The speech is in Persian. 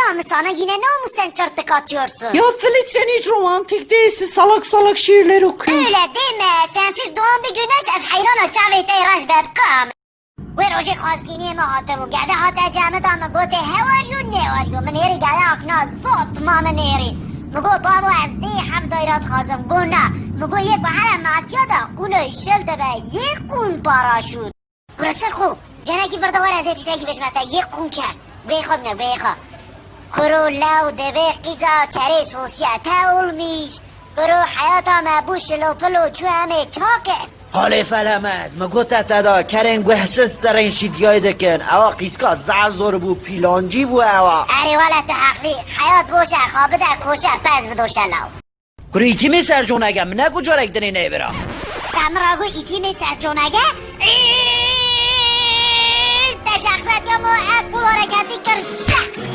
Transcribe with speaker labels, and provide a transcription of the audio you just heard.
Speaker 1: sana yine ne olmuş sen çırtık atıyorsun?
Speaker 2: Ya Filiz sen hiç romantik değilsin. Salak salak şiirler okuyorsun.
Speaker 1: Öyle deme. Sensiz doğan bir güneş az hayrana çavete iraş bebkam. Ve roji khazgini ma hatemu gade hata jamı da mı gote how are you ne are you? Meneri gade akna zot ma meneri. Mgo babo az di haf dairat khazım gona. Mgo ye bahara masya da kulu şel de be ye kun paraşut. Burası ku. Cenaki فردا ور ازت işteki beşmete ye kun kar. Beykhom ne beykha. Kuru lav debe qiza kare sosyete olmuş. Kuru hayata mبوش لوپلو چو همه چاکه.
Speaker 3: حالی فلمز مگوته تدا کرن گوهسس درین شیدیای دکن اوا قیسکا زعر زور بو پیلانجی بو اوا
Speaker 1: اری والا تو حقلی حیات بوشه خوابه ده کوشه پس بدوشه لاو.
Speaker 3: کری ایکی می سر جونگه منه کجا رکدنی نیورا
Speaker 1: تمراغو ایتی می سر جونگه تشخصت یا مو اکو حرکتی کر شک